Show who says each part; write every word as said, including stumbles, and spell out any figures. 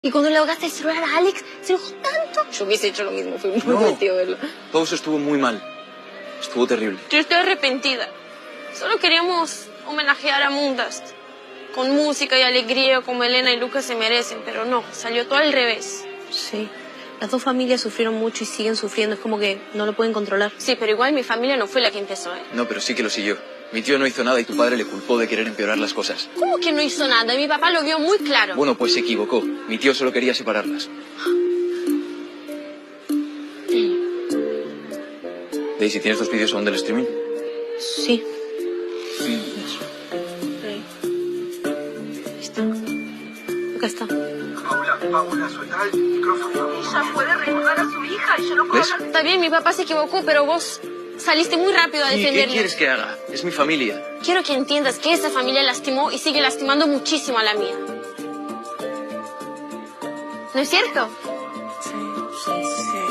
Speaker 1: Y cuando le ahogaste el celular a Alex, se enojó tanto. Yo hubiese hecho lo mismo, fue muy
Speaker 2: no,
Speaker 1: divertido verlo.
Speaker 2: Todo eso estuvo muy mal. Estuvo terrible.
Speaker 3: Yo estoy arrepentida. Solo queríamos homenajear a Moondust. Con música y alegría como Elena y Lucas se merecen, pero no, salió todo al revés.
Speaker 1: Sí, las dos familias sufrieron mucho y siguen sufriendo, es como que no lo pueden controlar.
Speaker 3: Sí, pero igual mi familia no fue la que empezó, ¿eh?
Speaker 2: No, pero sí que lo siguió. Mi tío no hizo nada y tu padre le culpó de querer empeorar las cosas.
Speaker 3: ¿Cómo que no hizo nada? Mi papá lo vio muy claro.
Speaker 2: Bueno, pues se equivocó. Mi tío solo quería separarlas. Daisy, ¿tienes los vídeos aún del streaming?
Speaker 1: Sí. Sí. Está. Acá está.
Speaker 4: Paula, Paula, suelta el micrófono.
Speaker 5: Ella puede recordar a su hija y yo no puedo
Speaker 2: ¿Ves?
Speaker 5: hablar.
Speaker 3: Está bien, mi papá se equivocó, pero vos saliste muy rápido a
Speaker 2: ¿Y qué
Speaker 3: defenderlo.
Speaker 2: quieres que haga? Es mi familia.
Speaker 3: Quiero que entiendas que esa familia lastimó y sigue lastimando muchísimo a la mía. ¿No es cierto?
Speaker 1: Sí, sí, sí.